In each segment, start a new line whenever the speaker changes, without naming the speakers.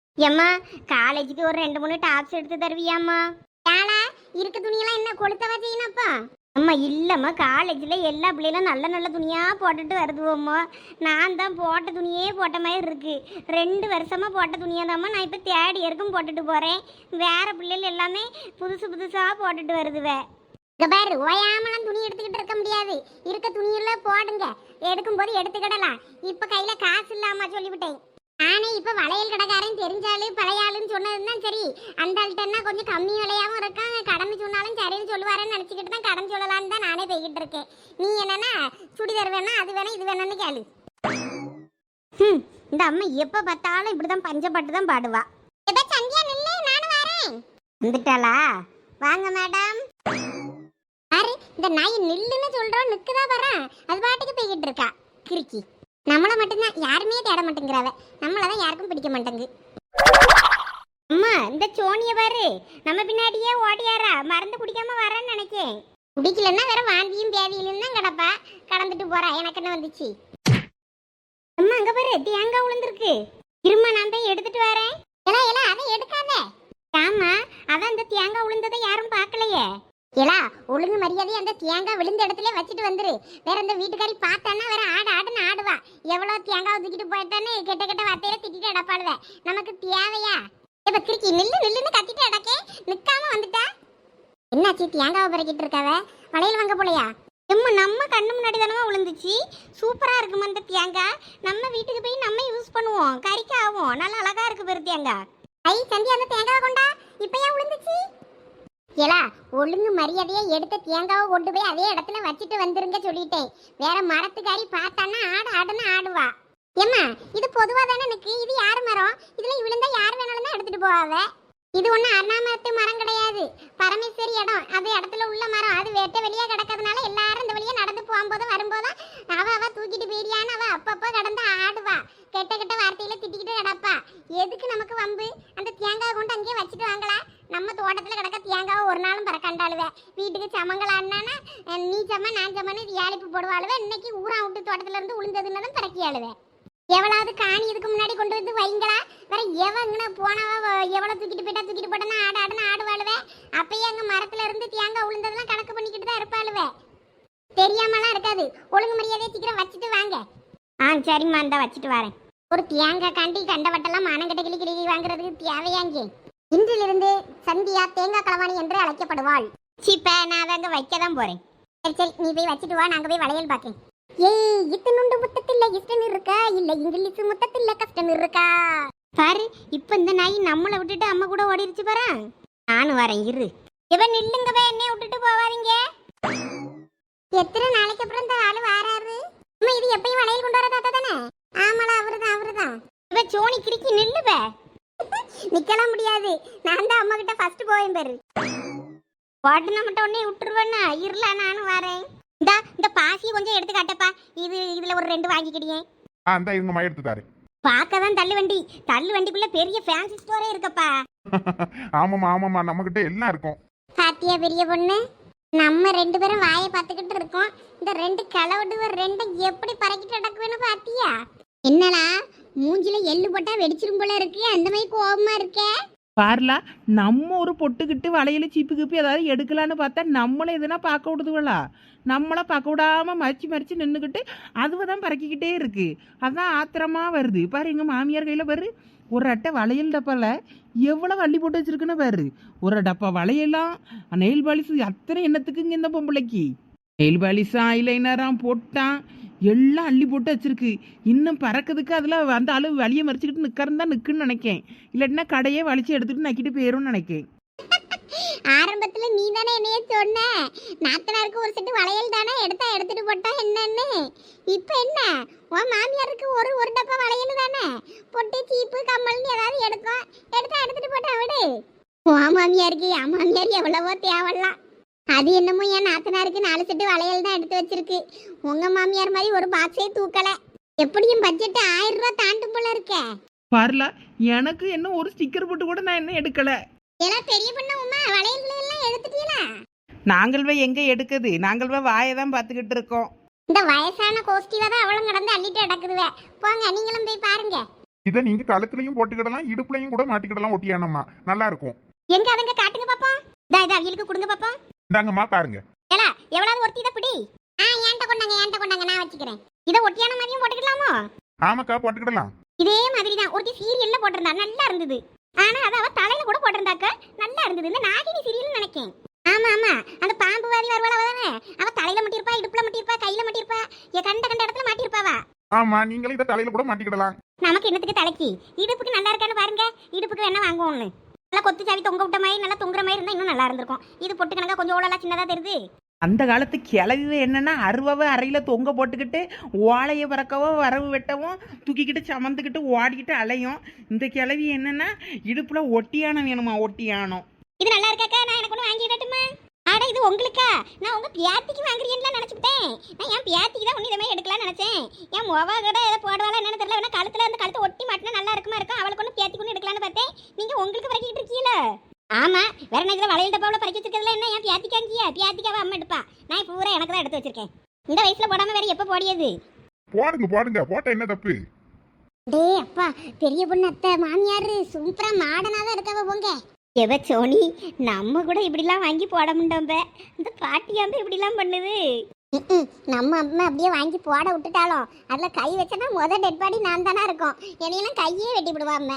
ஏம்மா காலேஜுக்கு ஒரு 2 3 டாப்ஸ் எடுத்து தருவியாம்மா? ஏலா இருக்க துணியெல்லாம் என்ன கொளுத்தவா செய்யணும்ப்பா? அம்மா இல்லம்மா, காலேஜில் எல்லா பிள்ளைகளும் நல்ல நல்ல துணியாக போட்டுட்டு வருதுவோம்மா. நான் தான் போட்ட துணியே போட்ட மாதிரி இருக்கு. 2 வருஷமாக போட்ட துணியாக தாம்மா நான் இப்போ தேர்ட் இயருக்கும் போட்டுட்டு போகிறேன். வேற பிள்ளைகள் எல்லாமே புதுசு புதுசாக போட்டுட்டு வருதுவே. இங்க பாரு, ஓயாமலாம் துணி எடுத்துக்கிட்டு இருக்க முடியாது. இருக்க துணியெல்லாம் போடுங்க, எடுக்கும்போது எடுத்துக்கிடலாம். இப்போ கையில் காசு இல்லாமா சொல்லிவிட்டேன். நானே இப்போ வளையல் கடைக்காரன் தெரிஞ்சாலு பழைய ஆளுன்னு சொன்னதுதான் சரி. அந்த ஆள்கிட்டன்னா கொஞ்சம் கம்மி விலையாகவும் இருக்காங்க, கடன் சொன்னாலும் சரின்னு சொல்லுவாருன்னு நினச்சிக்கிட்டு தான் கடன் சொல்லலான்னு தான் நானே போய்கிட்டு இருக்கேன். நீ என்னன்னா சுடிதார் வேணா அது வேணா இது வேணும்னு கேளு. இந்த அம்மா எப்போ பார்த்தாலும் இப்படிதான் பஞ்சப்பட்டு தான் பாடுவா. எப்போ சந்தியா நில்லு, நானும் வரேன். வந்துட்டாளா? வாங்க மேடம். பாரு, இந்த நாய் நில்லுன்னு சொல்றோம் நிற்குதா வரேன், அது பாட்டுக்கு போய்கிட்டு இருக்கா கிறுக்கி. நம்மளை மட்டும்தான் யாருமே தேட மாட்டேங்கிறாவ, நம்மளதான் யாருக்கும் பிடிக்க மாட்டேங்கு. அம்மா இந்த சோனிய பாரு, நம்ம பின்னாடியே ஓடியாரா, மருந்து குடிக்காம வரேன்னு நினைக்கேன். குடிக்கலன்னா வேற வாந்தியும் பேதியிலும் தான் கிடப்பா, கடந்துட்டு போறா. எனக்கு என்ன வந்துச்சு? அம்மா அங்க பாரு, தேங்காய் உளுந்துருக்கு. இருமா நான் தான் எடுத்துட்டு வரேன். எலா எலா அதை எடுக்காத. ஆமா, அதான் இந்த தேங்காய் உளுந்ததை யாரும் பார்க்கலையே. ஏலா ஒழுங்கு மரியாதை அந்த தேங்காய் விழுந்த இடத்துல வச்சுட்டு வந்துரு. வேற இந்த வீட்டுக்காரி பார்த்தான்னா வேற ஆடுன்னு ஆடுவா. எவ்வளவு தேங்காய் தூக்கிட்டு போயிட்டான்னு கெட்ட கெட்ட வார்த்தையில திட்டிட்டு அடப்பாளுவ. நமக்கு தேவையா? இப்ப கிறுக்கி நில்லு நில்லுன்னு கத்திட்டு அடக்கே, நிக்காம வந்துட்டா. என்னாச்சு? தேங்காவை பறக்கிட்டு இருக்காவ, வளையல் வாங்க போலையா? எம்மா நம்ம கண்ணு முன்னாடி தானமா விழுந்துச்சு. சூப்பரா இருக்குமா இந்த தேங்காய். நம்ம வீட்டுக்கு போய் நம்ம யூஸ் பண்ணுவோம், கறிக்கு ஆகும். நல்லா அழகா இருக்கு பெரு தேங்காய். ஐ சந்தி, அந்த தேங்காவை கொண்டா. இப்ப ஏன் விழுந்துச்சு? ஏலா ஒழுங்கு மரியாதையா எடுத்த தேங்காவை கொண்டு போய் அதே இடத்துல வச்சுட்டு வந்துருங்க சொல்லிட்டேன். வேற மரத்துக்காரி பார்த்தான்னா ஆடுன்னு ஆடுவா. ஏம்மா இது பொதுவா தானே எனக்கு, இது யார் மரம்? இதுல விழுந்தா யார் வேணாலும் தான் எடுத்துட்டு போவாவ. இது ஒன்றும் அண்ணாமரத்து மரம் கிடையாது, பரமேஸ்வரி இடம். அது இடத்துல உள்ள மரம், அது வெட்ட வெளியே கிடக்கிறதுனால எல்லாரும் இந்த வழியா நடந்து போகும்போதும் வரும்போதும் அவ தூக்கிட்டு போயிடியான்னு அவ அப்பப்போ கடந்து ஆடுவா. கெட்ட கெட்ட வார்த்தையில திட்டிக்கிட்டு கிடப்பா. எதுக்கு நமக்கு வம்பு? அந்த தேங்காய் கொண்டு அங்கேயே வச்சுட்டு வாங்களா. நம்ம தோட்டத்தில் கிடக்க தேங்காவை ஒரு நாளும் பறக்கண்டாளுவே. வீட்டுக்கு சமங்களான்னா நீ சம நான் சமன்னு ஏழிப்பு போடுவாளுவே. இன்னைக்கு ஊரா விட்டு தோட்டத்துல இருந்து உளுந்ததுன்னு தான் பறக்கியாளுவே. எவ்வளவு காணி இதுக்கு முன்னாடி கொண்டு வந்து வைங்களா. வேற எவங்கன்னு போனவ எவ்வளவு தூக்கிட்டு போயிட்டா ஆடுன்னு ஆடுவாளுவே. அப்பயே அங்க மரத்துல இருந்து தேங்காய் உளுந்ததெல்லாம் கணக்கு பண்ணிக்கிட்டு தான் இருப்பாளுவே. தெரியாமலாம் இருக்காது. ஒழுங்கு மரியாதையை சீக்கிரம் வச்சுட்டு வாங்க. சரிம்மா, இந்த வச்சுட்டு வரேன். ஒரு தேங்காய் காண்டி கண்டவட்டெல்லாம் மானங்கட்ட கிளி வாங்குறதுக்கு தேவையாங்க. இன்றிலிருந்து சந்தியா தேங்காய் களவாணி என்று அழைக்கப்படுவாள். சீப்ப நான் அங்க வைக்க தான் போறேன். சரி நீ போய் வச்சுட்டு வா, நாங்க போய் வளையல் பார்க்கேன். ஏய் இத்தனுண்டு முத்தத்தில் இஷ்டம் இருக்கா, இல்ல இங்கிலீஷ் முத்தத்தில் கஷ்டம் இருக்கா பாரு. இப்ப இந்த நாய் நம்மளை விட்டுட்டு அம்மா கூட ஓடிடுச்சு பாரு. நானும் வரேன் இரு. இவன் நில்லுங்கவே, என்னைய விட்டுட்டு போவாதீங்க. எத்தனை நாளைக்கு அப்புறம் இந்த ஆளு வாராரு? அம்மா இது எப்பயும் வளையல் கொண்டு வர தாத்தா தானே? ஆமாடா அவருதான். இவ சோனி கிறுக்கி நில்லுவே. நிக்கலாம் முடியாது, நான் தான் அம்மா கிட்ட ஃபர்ஸ்ட் போவேன் பாரு. உடனே மட்டும் உடனே விட்டுருவேன்னா இருல, நானும் வரேன். இந்த பாசியை கொஞ்சம் எடுத்து காட்டப்பா. இதுல ஒரு 2 வாங்கிக்கிடியே.
அந்த இருங்கம்மா எடுத்து தாரு.
பார்க்கதான் தள்ளு வண்டிக்குள்ள பெரிய ஃபேன்சி ஸ்டோரே இருக்கப்பா.
ஆமாமா நம்ம கிட்ட எல்லாம் இருக்கும்.
பாத்தியா பெரிய பொண்ணு, நம்ம 2 பேரும் வாயை பார்த்துக்கிட்டு இருக்கோம். இந்த 2 கிளவுடுவ 2 எப்படி பறக்கிட்டு நடக்குவேன்னு பாத்தியா? என்னடா மூஞ்சில எள்ளு போட்டா வெடிச்சிரும் போல இருக்கு, அந்த மாதிரி கோபமா இருக்க.
பாருலா, நம்ம ஒரு பொட்டுக்கிட்டு வளையல சீப்பு கிப்பி ஏதாவது எடுக்கலான்னு பார்த்தா நம்மளை எதுனா பார்க்க விடுதுவளா. நம்மளை பார்க்க விடாம மறிச்சு நின்றுக்கிட்டு அதுவை தான் பறக்கிக்கிட்டே இருக்கு. அதான் ஆத்திரமா வருது பாரு. எங்கள் மாமியார் கையில் பாரு, ஒரு அட்டை வளையல் டப்பால எவ்வளோ அள்ளி போட்டு வச்சிருக்குன்னு பாரு. ஒரு டப்பா வளையலாம், நெயில் பாலிஸ், அத்தனை என்னத்துக்குங்க இந்த பொம்பளைக்கு. நெயில் பாலிஸா ஐலைனராம் போட்டான், எல்லாம் அள்ளி போட்டு வச்சிருக்கு. இன்னும் பறக்கிறதுக்கு அதில் அந்த அளவு வலியை மறிச்சுக்கிட்டு நிற்கிறதா நிற்குன்னு நினைக்கேன். இல்லாட்டினா கடையே வலிச்சு எடுத்துகிட்டு நக்கிட்டு போயிரும்னு நினைக்கேன்.
ஆரம்பத்துல நீ தானே என்னைய சொன்ன, நாத்தனாருக்கு ஒரு செட்டு வளையல் தானே எடுத்துட்டு போட்டா என்னன்னு. இப்ப என்ன உன் மாமியாருக்கு ஒரு டப்பா வளையல் தானே, பொட்டு சீப்பு கம்மல்னு ஏதாவது எடுத்துட்டு போட்டா விடு. உன் மாமியாருக்கு என் மாமியார் எவ்வளவோ தேவலாம். அது என்னமோ என் நாத்தனாருக்கு 4 செட்டு வளையல் தான் எடுத்து வச்சிருக்கு. உங்க மாமியார் மாதிரி ஒரு பாக்ஸே தூக்கல. எப்படியும் பட்ஜெட் 1000 ரூபாய் தாண்டும் போல இருக்க.
பாருலா, எனக்கு என்ன ஒரு ஸ்டிக்கர் போட்டு கூட நான் என்ன எடுக்கல.
எல்லாம் பெரிய பொண்ணு உமா வளையல்களை எல்லாம் எடுத்துட்டீங்களா?
நாங்கள் எங்க எடுக்குது, நாங்கள் வாயை தான் பார்த்துக்கிட்டு இருக்கோம்.
இந்த வயசான கோஷ்டில தான் அவளும் கடந்து அள்ளிட்டு அடக்குதுவே. போங்க நீங்களும் போய் பாருங்க.
இதை நீங்க கழுத்துலயும் போட்டுக்கிடலாம், இடுப்புலயும் கூட மாட்டிக்கிடலாம் ஒட்டியானம்மா, நல்லா இருக்கும்.
எங்க அதங்க காட்டுங்க பாப்போம். இதா அவியலுக்கு கொடுங்க பாப்போம்.
இந்தாங்கம்மா பாருங்க.
ஏலா எவ்வளவு ஒருத்தி இதை பிடி. ஏன்ட்ட கொண்டாங்க நான் வச்சுக்கிறேன். இதை ஒட்டியான மாதிரியும் போட்டுக்கலாமோ?
ஆமாக்கா போட்டுக்கிடலாம்.
இதே மாதிரி தான் ஒருத்தி சீரியல்ல போட்டிருந்தா, நல்லா இருந்தது. ஆனா அத அவ தலையில கூட போட்டிருந்தாக்க நல்லா இருந்தது. இந்த நாகினி சீரியல் நினைக்கேன். ஆமா அந்த பாம்பு வாரி வருவாள் அவதானே, அவ தலையில மாட்டிருப்பா, இடுப்புல மாட்டிருப்பா, கையில மாட்டிருப்பா, கண்ட இடத்துல மாட்டிருப்பாவா.
ஆமா, நீங்களும் இதை தலையில கூட மாட்டிக்கிடலாம்.
நமக்கு என்னத்துக்கு தலைக்கு, இடுப்புக்கு நல்லா இருக்கான்னு பாருங்க. இடுப்புக்கு வேணா வாங்குவோம்னு. நல்லா கொத்து சாவி தொங்க விட்ட மாதிரி நல்லா தொங்குற மாதிரி இருந்தா இன்னும் நல்லா இருந்திருக்கும். இது பொட்டு கணக்கா கொஞ்சம் ஓடலாம் சின்னதா தெரியுது.
அந்த காலத்து கிளவி என்னன்னா அருவாவை அறையில் தொங்க போட்டுக்கிட்டு ஓலையை பறக்கவும் வரவு வெட்டவும் தூக்கிக்கிட்டு சமந்துக்கிட்டு ஓடிக்கிட்டு அலையும். இந்த கிளவி என்னன்னா இடுப்புல ஒட்டியானம் வேணுமா, ஒட்டியானம்.
இது நல்லா இருக்காக்கா, நான் எனக்கு ஒன்று வாங்கிடட்டுமா? ஆடா இது உங்களுக்கா? நான் உங்க பியாத்திக்கு வாங்குறீங்கன்னு நினைச்சுட்டேன். நான் என் பியாத்திக்கு தான் ஒன்று இதே மாதிரி எடுக்கலாம்னு நினைச்சேன். என் முவா கூட ஏதோ போடுவாளா என்னன்னு தெரியல. வேணா கழுத்துல அந்த கழுத்தை ஒட்டி மாட்டினா நல்லா இருக்குமா இருக்கும். அவளுக்கு ஒன்று பியாத்திக்கு ஒன்று எடுக்கலான்னு பார்த்தேன். நீங்க உங்களுக்கு பறக்கிட்டு இருக்கீங்களா? ஆமா, வேற என்ன இதுல வளையல் டப்பாவில் பறக்கி வச்சிருக்கிறதுல என்ன என் பியாத்திக்காங்கியா? பியாத்திக்காவை அம்மா எடுப்பா. நான் பூரா எனக்கு தான் எடுத்து வச்சிருக்கேன். இந்த வயசுல போடாம வேற எப்போ போடியது?
போடுங்க போட்ட என்ன தப்பு?
டே அப்பா, பெரிய பொண்ணு அத்தை மாமியாரு சூப்பரா மாடனா தான் இருக்கவ போங்க. எவ சோனி, நம்ம கூட இப்படிலாம் வாங்கி போட முடியாம இந்த பாட்டியாம்பு இப்படிலாம் பண்ணுது. நம்ம அம்மா அப்படியே வாங்கி போட விட்டுட்டாலும் அதுல கை வச்சனா டெட் பாடி நான் தானா இருக்கும். என்னையெல்லாம் கையே வெட்டி விடுவாம.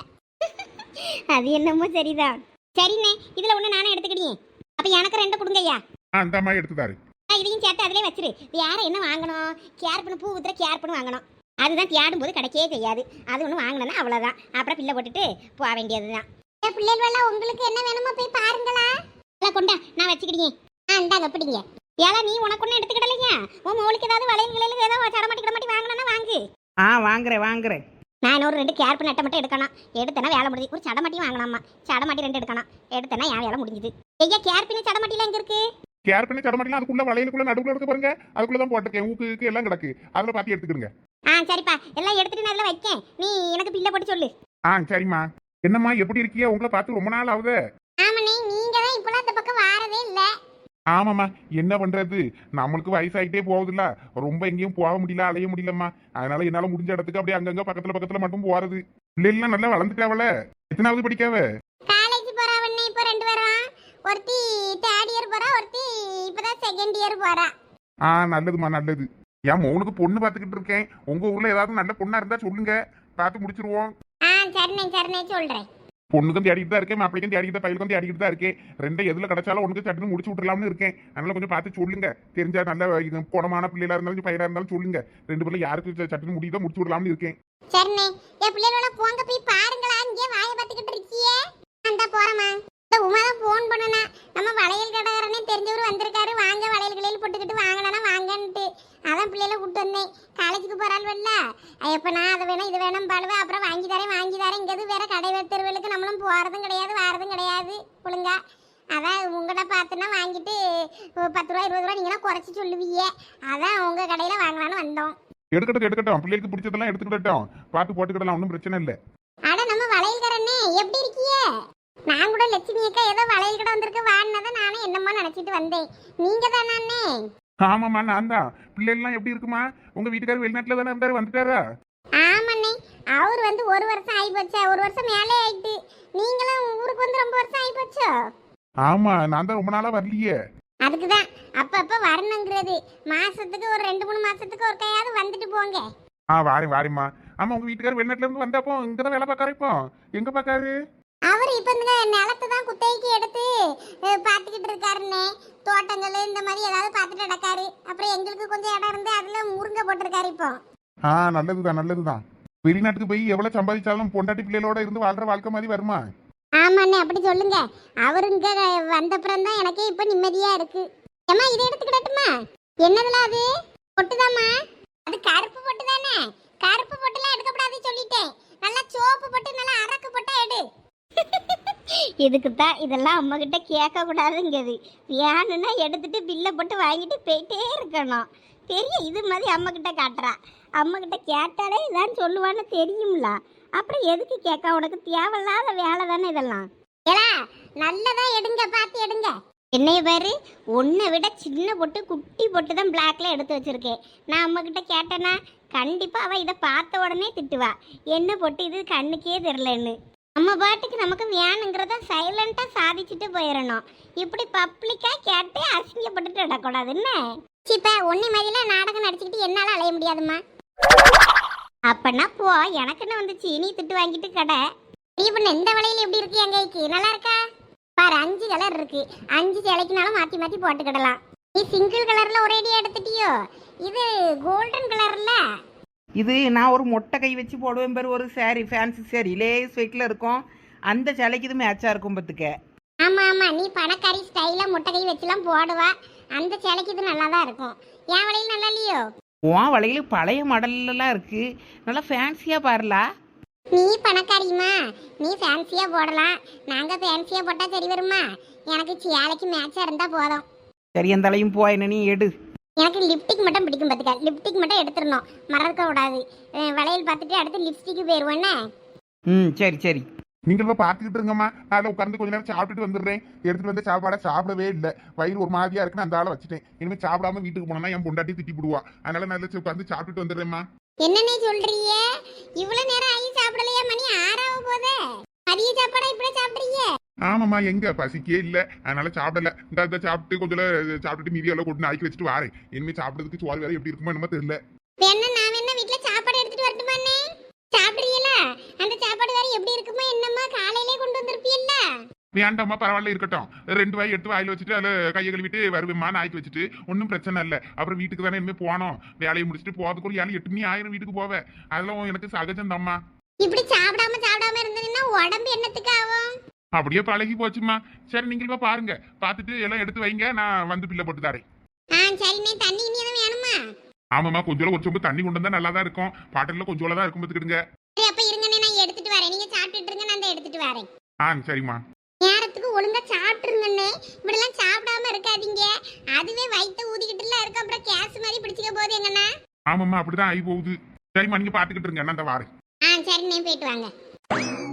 அது என்னமோ சரிதான். சரிண்ணே, இதுல ஒண்ணு நானே எடுத்துக்கிட்டேன். அப்ப எனக்கு 2 கொடுங்கய்யா.
அந்த அம்மா எடுத்துதாரு.
இதையும் சேர்த்து அதிலே வச்சிரு. வேற என்ன வாங்கணும்? கேர் பண்ணு, பூ ஊத்துற கேர் பண்ணு வாங்கணும். அதுதான் தேடும் போது கிடைக்கவே செய்யாது. அது ஒன்று வாங்கினா அவ்வளோதான். அப்புறம் பிள்ளை போட்டுட்டு போக வேண்டியதுதான். பிள்ளைகள் உங்களுக்கு என்ன வேணுமோ போய் பாருங்களா. கொண்டா நான் வச்சுக்கிட்டேன். இந்தாங்க பிடிங்க. ஏலா நீ உனக்கு ஒன்றும் எடுத்துக்கிடலைங்க. உன் மோளுக்கு ஏதாவது வளையல்களில் ஏதாவது சடமாட்டி மாட்டி வாங்கினா வாங்கு.
வாங்குறேன்.
நான் ஒரு 2 கேர் பண்ண அட்டை மட்டும் எடுக்கணும். எடுத்தேன்னா வேலை முடிஞ்சு. ஒரு சடமாட்டி வாங்கலாமா? சடமாட்டி 2 எடுக்கணும். எடுத்தேன்னா என் வேலை முடிஞ்சுது. ஐயா கேர் பண்ணி சடமாட்டிலாம் எங்க இருக்கு?
கேர் பண்ணி தரமாட்டீங்களா? அதுக்குள்ள வளையலுக்குள்ள நடுவுல இருக்கு பாருங்க, அதுக்குள்ள தான் போட்டிருக்கேன். ஊக்கு எல்லாம் கிடக்கு, அதுல பாத்தி எடுத்துக்கிடுங்க.
சரிப்பா, எல்லாம் எடுத்துட்டு நான் வைக்கேன். நீ எனக்கு பில்லை போட்டு சொல்லு.
சரிம்மா. என்னம்மா எப்படி இருக்கியா? உங்களை பார்த்து ரொம்ப நாள் ஆகுது.
ஆமாண்ணே, நீங்க தான் இப்பெல்லாம் இந்த பக்கம் வாரதே இல்ல.
ஆமாம்மா, என்ன பண்றது, நம்மளுக்கு வயசாயிட்டே போகுதுல்ல, ரொம்ப எங்கேயும் போக முடியல, அலைய முடியலம்மா. அதனால என்னால முடிஞ்ச இடத்துக்கு அப்படியே அங்கங்க பக்கத்துல மட்டும் போறது. பிள்ளைலாம் நல்லா வளர்ந்துட்டாவல. எத்தனாவது படிக்காவ?
காலேஜ் போறாவண்ணே இப்போ 2 பேரும். ஒருத்தி 3rd இயர் போறா, ஒருத்தி இப்பதான் 2nd இயர் போறா.
நல்லதுமா நல்லது. என் மௌனுக்கு பொண்ணு பார்த்துக்கிட்டு இருக்கேன். உங்க ஊர்ல ஏதாவது நல்ல பொண்ணா இருந்தா சொல்லுங்க, பார்த்து முடிச்சிருவோம்.
சரிண்ணே சொல்றேன்.
பொண்ணுக்கும் தேடிட்டு தான் இருக்கேன், மாப்பிளைக்கும் தேடிக்கிட்டு, பையலுக்கும் தேடிக்கிட்டு தான் இருக்கேன். 2 எதுல கிடைச்சாலும் உனக்கு சட்டுன்னு முடிச்சு விட்டுலாம்னு இருக்கேன். அதனால கொஞ்சம் பார்த்து சொல்லுங்க. தெரிஞ்சா நல்ல குணமான பிள்ளைகளா இருந்தாலும் பையனா இருந்தாலும் சொல்லுங்க. 2 பேர்ல யாருக்கு சட்டுன்னு முடியுதோ முடிச்சு விடலாம்னு இருக்கேன்.
சரிண்ணே, என் பிள்ளைகளோட போங்க போய் பாருங்களா. இங்கே வாய பார்த்துக்கிட்டு இருக்கியே. அந்த போறமா உமாதான் போன் பண்ணனா. நம்ம வளையல் கடைக்காரனே தெரிஞ்சவர் வந்திருக்காரு. வாங்க வளையல் கடையில் போட்டுக்கிட்டு வாங்கினா வாங்கன்ட்டு அதான் பிள்ளைல கூட்டு வந்தேன். காலேஜுக்கு போறாள் வரல. எப்ப நான் அதை வேணும் இது வேணும் பாடுவேன். அப்புறம் வாங்கி தரேன் இங்கிறது வேற கடை தெருவுகளுக்கு நம்மளும் போறதும் கிடையாது வாரதும் கிடையாது ஒழுங்கா. அதான் உங்கள்கிட்ட பார்த்துன்னா வாங்கிட்டு 10 ரூபா 20 ரூபா நீங்களாம் குறைச்சி சொல்லுவீங்க. அதான் உங்க கடையில வாங்கலான்னு வந்தோம்.
எடுக்கட்டும், பிள்ளைக்கு பிடிச்சதெல்லாம் எடுத்துக்கிட்டோம். பார்த்து போட்டுக்கிடலாம், ஒன்றும் பிரச்சனை இல்லை.
ஆனா நம்ம வளையல்காரனே எப்படி இருக்கியே? நான் கூட லட்சுமி அக்கா ஏதோ வளையல் கடை வந்திருக்கு வாடினதான் நானும் என்னமோ நினைச்சிட்டு வந்தேன். நீங்க தானே?
ஆமாம்மா, நான் தான். பிள்ளைகள்லாம் எப்படி இருக்குமா? உங்க வீட்டுக்காரர் வெளிநாட்டுல தானே இருந்தாரு, வந்துட்டாரா?
ஆமாண்ணே, அவர் வந்து 1 வருஷம் ஆகி போச்சா. 1 வருஷம் மேலே ஆயிட்டு. நீங்களும் ஊருக்கு வந்து ரொம்ப வருஷம் ஆகி போச்சோ?
ஆமா, நான் தான் ரொம்ப நாளா வரலையே.
அதுக்குதான் அப்பப்ப வரணுங்கிறது. மாசத்துக்கு ஒரு 2-3 மாசத்துக்கு ஒரு கையாவது வந்துட்டு போங்க.
வாரேம்மா. ஆமா, உங்க வீட்டுக்காரர் வெளிநாட்டுல இருந்து வந்தப்போ இங்கதான் வேலை பார்க்காரு. இப்போ எங்க பார்க்காரு?
அவர் இப்ப இந்த நிலத்தை தான் குத்தகைக்கு எடுத்து பார்த்துக்கிட்டு இருக்காருன்னே. தோட்டங்கள் இந்த மாதிரி ஏதாவது பார்த்துட்டு நடக்காரு. அப்புறம் எங்களுக்கு கொஞ்சம் இடம் இருந்து அதுல முருங்கை போட்டிருக்காரு இப்போ.
நல்லதுதான். வெளிநாட்டுக்கு போய் எவ்வளவு சம்பாதிச்சாலும் பொண்டாட்டி பிள்ளைகளோட இருந்து வாழ்ற வாழ்க்கை மாதிரி வருமா?
ஆமாண்ணே, அப்படி சொல்லுங்க. அவரு இங்க வந்தப்புறம் தான் எனக்கே இப்ப நிம்மதியா இருக்கு. ஏமா இதை எடுத்துக்கிடட்டுமா? என்னதுல அது? பொட்டுதாம்மா. அது கருப்பு பொட்டு தானே. கருப்பு பொட்டுலாம் எடுக்கப்படாது சொல்லிட்டேன். நல்லா சோப்பு பொட்டு நல்லா அரக்கு பொட்டா எடு. இதுக்கு தான் இதெல்லாம் அம்மா கிட்ட கேட்க கூடாதுங்கிறது. வேணும்னா எடுத்துட்டு பில்லை போட்டு வாங்கிட்டு போயிட்டே இருக்கணும். தெரியும், இது மாதிரி அம்மா கிட்ட காட்டுறா. அம்மா கிட்ட கேட்டாலே இதான் சொல்லுவான்னு தெரியும்ல. அப்புறம் எதுக்கு கேட்க? உனக்கு தேவையில்லாத வேலை தானே இதெல்லாம். ஏலா நல்லதா எடுங்க, பார்த்து எடுங்க. என்னைய பாரு, உன்னை விட சின்ன பொட்டு குட்டி பொட்டு தான் பிளாக்ல எடுத்து வச்சிருக்கேன். நான் அம்மா கிட்ட கேட்டேன்னா கண்டிப்பா அவ இதை பார்த்த உடனே திட்டுவா, என்ன போட்டு இது கண்ணுக்கே தெரிலன்னு. நம்ம பாட்டுக்கு நமக்கு வேணுங்கிறத சைலண்டா சாதிச்சுட்டு போயிடணும். இப்படி பப்ளிக்கா கேட்டு அசிங்கப்பட்டுட்டு விடக்கூடாதுன்னு. சிப்ப ஒன்னி மாதிரில நாடகம் நடிச்சுக்கிட்டு என்னால அலைய முடியாதுமா. அப்பன்னா போ, எனக்குன்னு வந்துச்சு, நீ திட்டு வாங்கிட்டு கடை. நீ பண்ண இந்த வளையல் எப்படி இருக்கு என் கைக்கு, நல்லா இருக்கா பாரு. 5 கலர் இருக்கு, 5 சேலைக்குனாலும் மாத்தி மாத்தி போட்டுக்கிடலாம். நீ சிங்கிள் கலர்ல ஒரேடியா எடுத்துட்டியோ, இது கோல்டன் கலர்ல.
இது நான் ஒரு மொட்டை கை வச்சு போடுவேன் பேர், ஒரு சாரி ஃபேன்சி சாரி லேஸ் வெயிட்டில் இருக்கும், அந்த சேலைக்கு இது மேட்சாக இருக்கும் பத்துக்க.
ஆமா ஆமா, நீ பணக்காரி ஸ்டைல முட்டை கை வச்சுலாம் போடுவா, அந்த சேலைக்கு இது நல்லா தான் இருக்கும். என் வளையல் நல்லா இல்லையோ?
உன் வளையல் பழைய மாடல்லாம் இருக்குது, நல்லா ஃபேன்சியாக பாருலா.
நீ பணக்காரிமா, நீ ஃபேன்சியா போடலாம், நாங்க ஃபேன்சியா போட்டா சரி வருமா? எனக்கு சேலைக்கு மேட்சா இருந்தா போதும்.
சரி அந்த தலையும் போ, என்ன நீ எடு.
எனக்கு லிப்டிக் மட்டும் பிடிக்கும் பார்த்துக்க, லிப்டிக் மட்டும் எடுத்துடணும், மறக்க கூடாது. வளையல் பார்த்துட்டு அடுத்து லிப்ஸ்டிக்கு போயிடுவேன்னு.
சரி சரி.
நீங்கள் போய் பார்த்துக்கிட்டு இருங்கம்மா, நான் அதில் உட்காந்து கொஞ்ச நேரம் சாப்பிட்டுட்டு வந்துடுறேன். எடுத்துட்டு வந்து சாப்பாடை சாப்பிடவே இல்லை, வயிறு ஒரு மாதிரியா இருக்குன்னு அந்த ஆளை வச்சுட்டேன். இனிமேல் சாப்பிடாம வீட்டுக்கு போனோம்னா என் பொண்டாட்டி திட்டி போடுவா. அதனால நான் இதில் உட்காந்து சாப்பிட்டுட்டு வந்துடுறேம்மா.
என்னன்னே சொல்றீங்க? இவ்வளவு நேரம் ஆகி சாப்பிடலையா? மணி 6 ஆக போதே. மதிய சாப்பாடா இப்படி சாப்பிடுறீங்க?
ஆமாம்மா, எங்க பசிக்கே இல்லை, அதனால சாப்பிடல. இந்த சாப்பிட்டு கொஞ்சம் சாப்பிட்டுட்டு மீதி எல்லாம் கொண்டு நாய்க்கு வச்சுட்டு வாரேன். இனிமேல் சாப்பிட்றதுக்கு சோறு வேற எப்படி இருக்குமோ என்னமோ தெரியல.
வேணா நான் வேணா வீட்டுல சாப்பாடு எடுத்துட்டு வரட்டுமாண்ணே? சாப்பிடுறீங்களா? அந்த சாப்பாடு வேற எப்படி இருக்குமோ என்னம்மா, காலையிலே கொண்டு வந்திருப்பீல்ல.
வேண்டாம்மா, பரவாயில்ல இருக்கட்டும். 2 வாய் எடுத்து வாயில வச்சுட்டு அதில் கையை கழுவிட்டு வருவேம்மா, நாய்க்கு வச்சுட்டு ஒன்றும் பிரச்சனை இல்லை. அப்புறம் வீட்டுக்கு தானே இனிமேல் போனோம், வேலையை முடிச்சுட்டு போகிறதுக்கு ஒரு 7-8 மணி ஆயிரம் வீட்டுக்கு போவேன். அதெல்லாம் எனக்கு சகஜம் தான்மா.
இப்படி சாப்பிடாம இருந்ததுன்னா உடம்பு என்னத்துக்கு ஆகும்?
அப்படியே பழகி போச்சுமா. சரி, நீங்க பாருங்க, பார்த்துட்டு எல்லாம் எடுத்து வைங்க, நான் வந்து பில்லை போட்டு தரேன்.
சரிண்ணே. தண்ணி இனி எதுவும் வேணுமா?
ஆமாம்மா, கொஞ்சம் ஒரு சொம்பு தண்ணி கொண்டு வந்தா நல்லா தான் இருக்கும். பாட்டில கொஞ்சோல தான் இருக்கும், பார்த்துக்கிடுங்க.
சரி அப்ப இருங்கண்ணே, நான் எடுத்துட்டு வரேன். நீங்க சாப்பிட்டுட்டு இருங்க, நான் எடுத்துட்டு வரேன்.
சரிம்மா.
நேரத்துக்கு ஒழுங்கா சாப்பிட்டுருங்கண்ணே, இப்படிலாம் சாப்பிடாம இருக்காதீங்க. அதுவே வயிற்று ஊதிக்கிட்டுலாம் இருக்கு, அப்புறம் கேஸ் மாதிரி பிடிச்சிக்க போகுது எங்கண்ணா.
ஆமாம்மா, அப்படிதான் ஆகி போகுது. சரிம்மா, நீங்க பார்த்துக்கிட்டு இருங்க, நான் அந்த வாரேன்.
சரிண்ணே, போயிட்டு வாங்க.